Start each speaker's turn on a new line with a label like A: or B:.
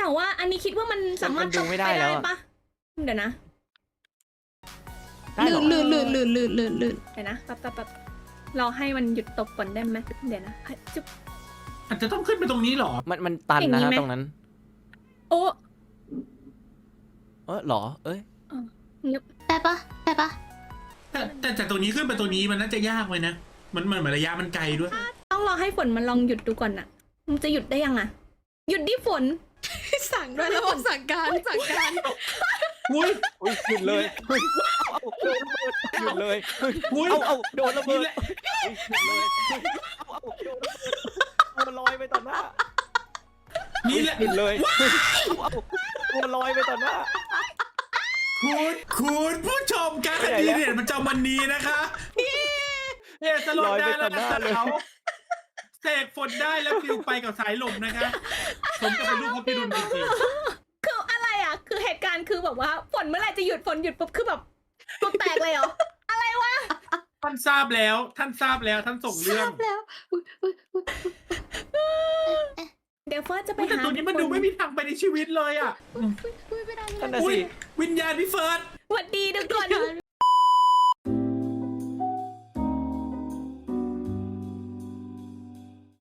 A: แต่ว่าอันนี้คิดว่ามันสามารถ
B: มันดูไม่ได้
A: ป
B: แล้วอะ
A: ปะเดี๋ยวนะ
B: ได้เหรอ
A: ลื่นเดี๋ยวนะแป๊บเราให้มันหยุดตกก่อนได้ไหมเดี๋ยวนะจุ๊บ
C: อาจจะต้องขึ้นไปตรงนี้เหรอ
B: มันตัน
A: อย่าง
B: นะ
A: นี้
B: ฮะ
A: ไหม
B: ตรงนั้น
A: โอ้
B: เหรอ เอ้ย
D: ได้ปะ
C: แต่ตรงนี้ขึ้นไปตรงนี้มันน่าจะยากเลยนะมันเหมือนระยะมันไกลด้วย
A: ต้องรอให้ฝนมันลองหยุดดูก่อนน่ะมันจะหยุดได้ยังอะหยุดดิฝน
D: สั่งด้วยแล้วบอกสั่งการ
C: อุ้ย
B: อุ้ยหยุดเลยเฮ้ยเอาโดนระเบิดหยุดเลยเฮ้ย
C: อุ้ย
B: เอาโดนระเบิ
C: นี่
B: ด
C: แหละ
B: เฮ้ยหยุดเลยเฮ้ยเอาโดนระเบิดตัวลอยไปต่อหน้า
C: นี่แหละ
B: หยุดเลยเฮ้ยเอาตัวลอยไปต่อหน้า
C: คุณผู้ชมการ
B: ไปไหน
C: ดี
B: แล้ว
C: เด่นมันจอมันนี้นะคะเนี่ยสโลดได้แล้วนะเขาเสกฝนได้แล้วฟิวไปกับสายลมนะคะผมจะเป็นลูกพระพิรุณจริง
A: คืออะไรอะคือเหตุการณ์คือแบบว่าฝนเมื่อไหร่จะหยุดฝนหยุดปุ๊บคือแบบตัวแตกเลยเหรอ
C: ๆท่านทราบแล้วท่านส่งเรื่อง
D: แล้วอุ๊ย
A: เดี๋ยวเฟิร์สจะไป
C: แต่
A: หา
C: ตัวนี้มันดูไม่มีทางไปในชีวิตเลยอ่ะ
D: ไม่ได้
B: นั่นน่ะ
C: อุ้ย
B: สิ
C: วิญญาณพี่เฟิร์ส
A: สวัสดีทุกคน